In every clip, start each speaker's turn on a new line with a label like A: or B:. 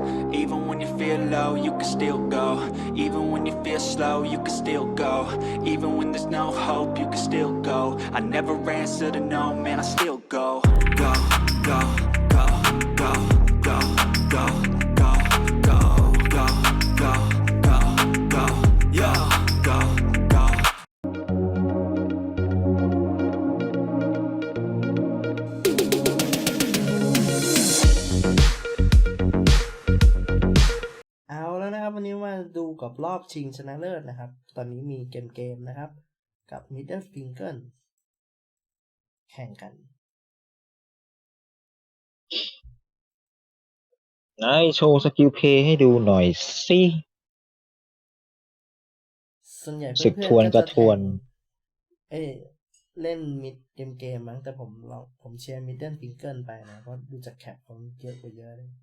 A: Even when you feel low, you can still go. Even when you feel slow, you can still go. Even when there's no hope, you can still go. I never answer to no, man, I still go. Go, go, go, go, go, go, go, go, go, go, go, go, yo, go, go.
B: เอาแล้วนะครับวันนี้มาดูกับรอบชิงชนะเลิศนะครับตอนนี้มีเกมนะครับกับ Middle Finger แข่งกัน
C: ไหนโชว์สกิลเพย์ให้ดูหน่อยสิ
B: ส่วนใหญ่
C: ศึก
B: เพื่อ
C: ทวน
B: นๆ
C: ก
B: ก็
C: ระ
B: จะ
C: ทวน
B: เล่นมิดเกมมั้งแต่ผมเชียร์ Middle Finger ไปนะเพราะดูจากแคปผมเยอะกว่าเยอะเลย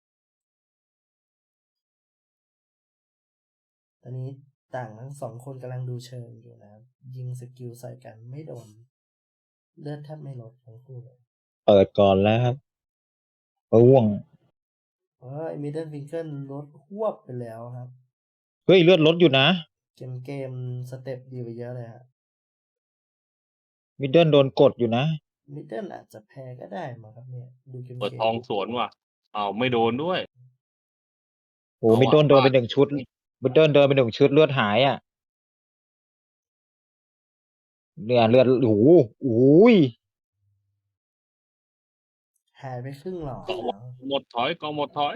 B: ตอนนี้ต่างทั้งสองคนกำลังดูเชิงอยู่นะครับยิงสกิลใส่กันไม่โดนเลือดแทบไม่ลดทั้งคู่เลย
C: เปิดก่อนแล้วครับร่วง
B: Middle Finger ลดหวบไปแล้วครับ
C: เฮ้ยเลือดลดอยู่นะ
B: เกมสเต็ปดีไปเยอะเลยฮะ
C: มิดเดิลโดนกดอยู่นะ
B: มิดเดิลอาจจะแพ้ก็ได้มั้งครับเนี่ยดูเกม
D: เปิดทองสวนว่ะไม่โดนด้วย
C: โอ้มิดเดิลโดนไปหนึ่งชุดมิดเดิลเดินไปหนึ่งชุดเลือดหายอ่ะเนี่ยเลือดโอ้โหโอ้ย
B: หายไปครึ่งหลอด
D: กอง
B: แล้ว
D: หมดถอยกองหมดถอย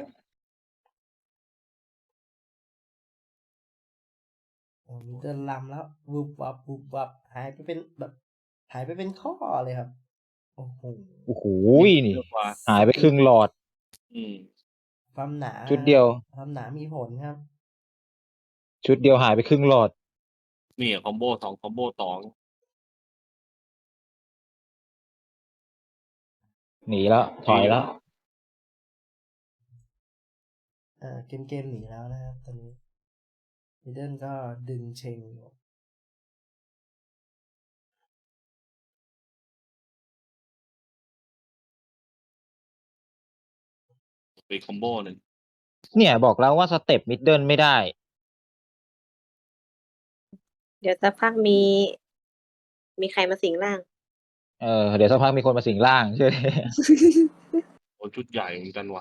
B: มิดเดิลลำแล้ววุบวับหายไปเป็นข้อเลยครับโอ้โห
C: โอ้โหนี่
D: เยอะกว่า
C: หายไปครึ่งหลอด
D: อืม
B: ความหนา
C: ชุดเดียว
B: ความหนามีผลครับ
C: ชุดเดียวหายไปครึ่งหลอด
D: นี่คอมโบสองคอมโบสอง
C: หนีแล้วถอยแล้ว
B: เกมหนีแล้วนะครับตอนนี้มิดเดิลก็ดึงเชงอยู่
D: ไปคอมโบหนึ่ง
C: เนี่ยบอกแล้วว่าสเต็ปมิดเดิลไม่ได้
E: เดี๋ยวสักพักมีใครมาสิงร่าง
C: เดี๋ยวสักพักมีคนมาสิงร่างใช่ไหม
D: โอ้ชุดใหญ่เหมือนกันว่ะ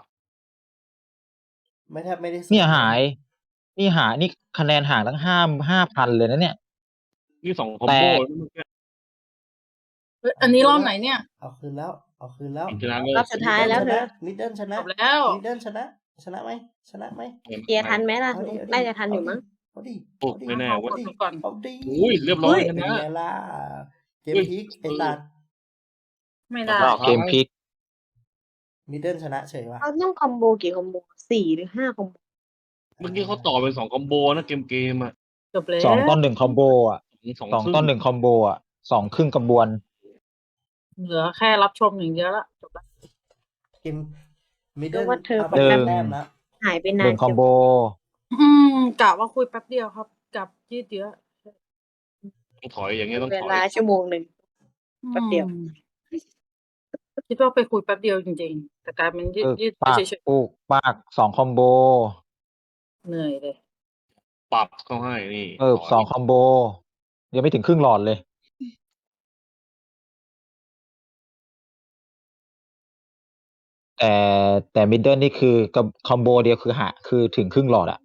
B: แทบไม่ได้ส
C: เนี่ยหาย นี่คะแนนห่างตั้ง5,000เลยนะเนี่ย
D: นี่สองคอมโบแล้วเมื่อกี้
F: อันนี้รอบไหนเนี่ย
B: เอาคืนแล้ว
D: ชนะเลย
E: รอบสุดท้ายแล้วเธอ
B: มิดเดิลชนะ
F: จบแล้ว
B: มิดเดิลชนะไหม
E: เคลียร์ทันไหมล่ะ
B: เอาดิ
E: น่าจะทันอยู่มั้ง
B: เอาดิ
D: โอ้ไม่แน่
F: เอา
D: เว้ย
F: ก่อน
B: เอาดิ
D: อุ้ยเรียบร้อยช
B: เป็น
D: นะ
B: ไงล่ะเกมพลิกไอ้ตัด
F: ไม่ได้
C: เกมพลิก
B: มิดเดิลชนะเฉยว่ะ
E: เขาต้องคอมโบกี่คอมโบ4 หรือ 5 คอมโบ
D: เมื่อกี้เขาต่อเป็นสองคอมโบนะเกมอ่ะ
F: จบแล้ว
C: 2-1คอมโบอ่ะ
D: สอง
C: 2-1คอมโบอ่ะ2ครึ่งกระบวน
F: เหลือแค่รับชมอย่างเดียวละจบแล้ว
B: เกมมิดเดิล
E: ว่าเธอ
B: เอาไป
C: เดิม
B: แต้มแล้ว
E: หายไป
C: ห
E: นา
C: นึ่
E: น
C: งคอมโบ
F: กะว่าคุยแป๊บเดียวครับกับยืดเยอะ
D: ต้องถอยอย่างเงี้ยต้อง
E: เว
D: ถอย
E: ลาชั่วโมงหนึ่ง แป๊บเดียว
F: คิดว่าไปคุยแป๊บเดียวจริงๆ แต่กลายเป็นยืด
C: ปาก
F: เฉย
C: ปูกปาก2คอมโบ
F: ๆเหนื่อยเลย
D: ปรับเข้าให้นี่ถย
C: 2คอมโบยังไม่ถึงครึ่งหลอดเลย แต่มิดเดิลนี่คือกับคอมโบเดียวคือถึงครึ่งหลอดอะ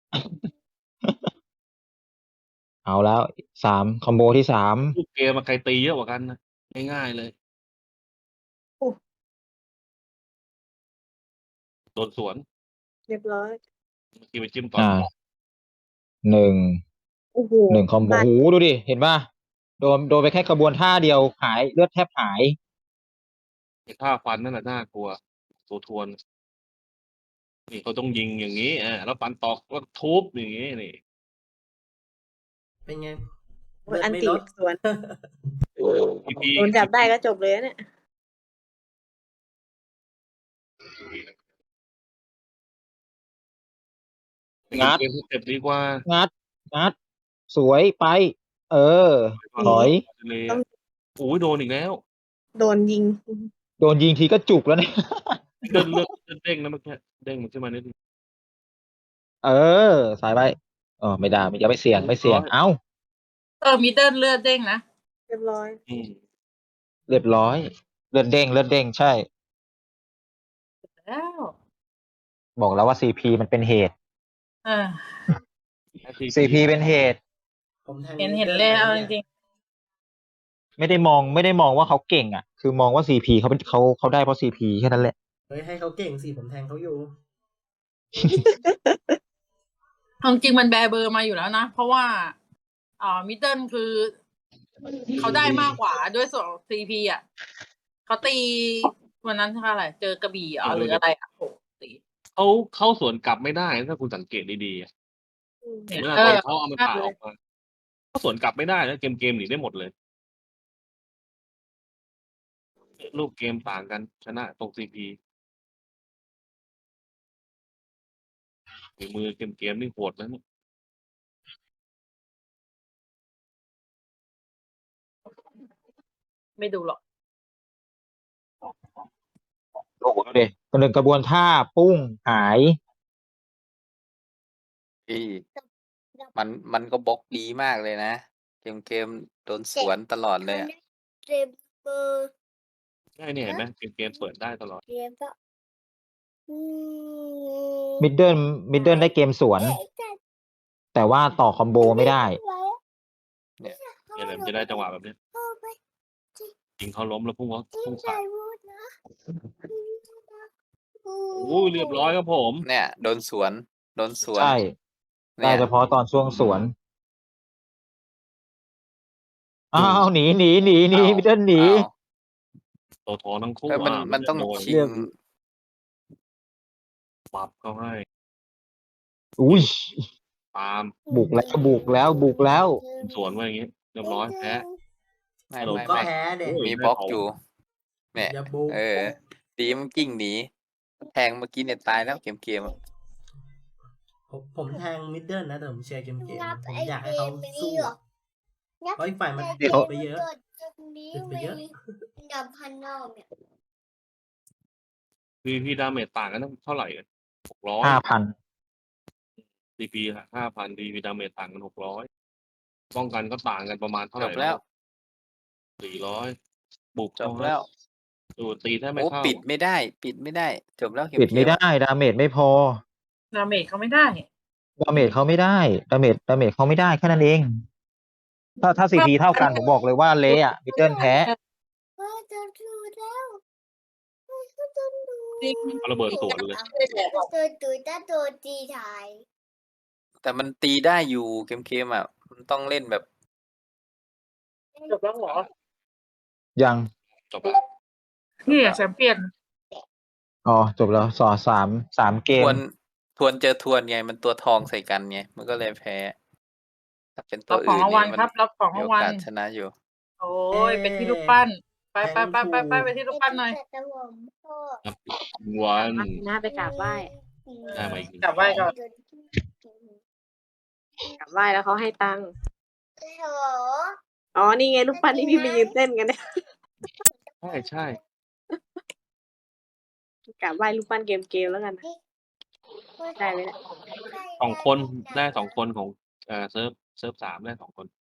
C: เอาแล้ว3คอมโบที่3
D: ลูกเกมมาใครตีเยอะกว่ากันนะง่ายๆเลยโดนสวน
E: เรียบร้อย
D: เมื่อกี้ไปจิ้มตอน
C: 1
E: โอ้โห
C: 1คอมโบโหดูดิเห็นป่ะโดนไปแค่กระบวนท่าเดียวหายเลือดแทบหาย
D: ท่าฟันนั่นแหละน่ากลัวตัวทวนนี่เขาต้องยิงอย่างนี้แล้วฟันตอกแล้วทุบอย่างนี้นี่
B: เป็นไง
E: อัน
B: ไม่
E: ตี
B: ลด
E: สวน
D: พี่
E: โดนจับได้ก็จบเลยเนี่ย
C: งัด
D: เกมสเต็ปดีกว่า
C: งัดสวยไป ถอย
D: เลยโอ้ยโดนอีกแล้ว
E: โดนยิง
C: โดนยิงทีก็จุกแล้วเนี่ย
D: เดินเลือกเด้งนะเมื่อกี้เด้งมันขึ้นมานิดนึง
C: เออสายไปไม่ได้อย่าไปเสี่ยงไม่เสี่ยง เอ้า
F: มิดเดิลเลือดเด้งนะ
E: เรียบร้อย
D: อืม
C: เรียบร้อย เลือดเด้งเลือดเด้งใช่
F: แล้ว
C: บอกแล้วว่าซีพีมันเป็นเหตุ
F: เออ
C: ซีพีเป็นเหตุ
B: ผมแทง
F: เห็น
B: Middle
F: เลย
B: ไป
F: เอาจ
B: นี่ย
F: ริง
C: ไม่ได้มองว่าเขาเก่งอ่ะ คือมองว่าซีพีเขาเป็นเขาได้เพราะซีพีแค่นั้นแหละ
B: เฮ้ยให้เขาเก่งสิผมแทงเขาอยู่
F: ๆเอาจริงมันแบร์เบอร์มาอยู่แล้วนะ เพราะว่ามิดเดิลคือเขาได้มากกว่าด้วยส่วนซีพีอ่ะเขาตีวันนั้นเท่าไหร่เจอกระบี่หรืออะไรอ่ะโหตี
D: เขาเข้าสวนกลับไม่ได้ถ้าคุณสังเกตดีๆอะ
F: เนี่ย
D: เวลา
F: เอ
D: ตอ
F: อน
D: เขาเอามาตาออกมาเขาสวนกลับไม่ได้นะเกมหนีได้หมดเลยรูปเกมต่างกันชนะตรงซีพีมือเกมนี่โหดนะเนี่ย
F: ไม่ดูหรอก
C: โอ้โหดูดิหนึ่งกระบวนท่าปุ้งหาย
G: พี่มันก็บล็อกดีมากเลยนะ เกมโดนสวนตลอดเลยอะ
H: เรมเบอร์
D: ใช่เนี่ยเห็นไหมเกมเปิดได้ตลอด
H: เรมก็อืม
C: มิดเดิลได้เกมสวน แต่ว่าต่อคอมโบไม่ได้
D: เนี่ยเลยมันจะได้จังหวะแบบเนี้ยยิงเขาล้มแล้วพุ่งใส่โอ้ยเรียบร้อยครับผม
G: เนี่ยโดนสวน
C: ใช่ ได้
G: เนี่ย
C: เฉพาะตอนช่วงสวน อ้าวหนีมิดเดิลหนี
G: อ้าว
D: โตทั้งคู่
G: เออมันต้อง
D: โดน
G: ชิ
C: เรีย
G: ง
C: บ
D: ปรับเขาให้
C: อุ้ย
D: ตาม
C: บุกแล้ว
D: สวนไว้อย่างงี้เรียบร้อยแพ้
G: ไม่
D: ผม
G: ไม่
B: ก็
G: ไม่
B: แพ้เด็ก
D: โอ้ย
G: มีบล็อกอยู่เนี่ย
B: อย่าบุก
G: ดีมันกิ้งหนีแทงเมื่อกี้เนี่ยตายแล้วเกมอะ
B: ผมแทงมิดเดิลนะแต่ผมเชียร์เกม
H: นับ
B: ผม
H: ไอ้
B: อยากให้
H: เก
B: เขา
H: มนี้
B: สู้
H: หรอนับ
B: เพราะอีกฝ่ายมัน
H: แต่
B: ติด
C: เขา
B: ไปเยอะ
H: ตรงนี้
B: ติดไปเยอะ
H: มีดับพันนอกเนี่ย
D: พี่ดาเมจต่างกันเท่าไหร่กัน600
C: 5,000
D: DP 5,000 DP ดาเมจต่างกัน600ป้องกันก็ต่างกันประมาณเท่าไห
G: จ
D: ร่
G: บแล้ว
D: 400บุก
G: จบแล้ว
D: ดูตีแทบไม่
G: โอ้
D: เข้า
G: ปิดไม่ได้ จบแล้วเก
C: ปิดไม่
G: ม
C: ได้ ดาเมจไม่พอ
F: ดาเมจเขาไม่ได้
C: ดาเมจเขาไม่ได้ ดาเมจเขาไม่ได้แค่นั้นเอง ถ้าซีพีเท่ากันผมบอกเลยว่าเละอะมิดเดิลแพ้
H: จะดูแล้วก็จะดู
F: จริง
D: เอาระเบิดสวนเลย
H: ตัวถ้าตัวตีถ่าย
G: แต่มันตีได้อยู่เกมอ่ะมันต้องเล่นแบบ
F: จบแล้วเหรอ
C: ยัง
D: จบแล้ว
F: นี่แชมเปี้ยน
C: อ๋อ จบแล้ว3 เก
G: ท
C: ม
G: วนเจอทวนไงมันตัวทองใส่กันไงมันก็เลยแพ้ถ้าเป็นตั
F: รั
G: ว
F: บของ
G: อื่น
F: รางวัล
G: เนี่ย
F: ครับ รับของ
G: มี
F: รา
G: โอง
F: วัล
G: กาสชนะอยู่
F: โอ้ยเป็นที่ลูกปั้น ไปไปที่ลูกปั้นหน่อย
H: แต่ผมพ่อ
D: วัน
E: หน้าไปกราบไหว้
D: ได้มาอีกหนึ่ง
F: กลับไหว้ก่อน
E: กราบไหว้แล้วเขาให้ตังค์
H: โอ้
E: อ๋อ นี่ไงลูกปั้นที่พี่ไปยืนเต้นกันเนี่ย
D: ใช่
E: กราบไหว้ลูกปั้นเกมแล้วกันนะ ได้ไหมเนี่ย
D: 2 คนได้2 คนของเซิร์ฟ3ได้2 คน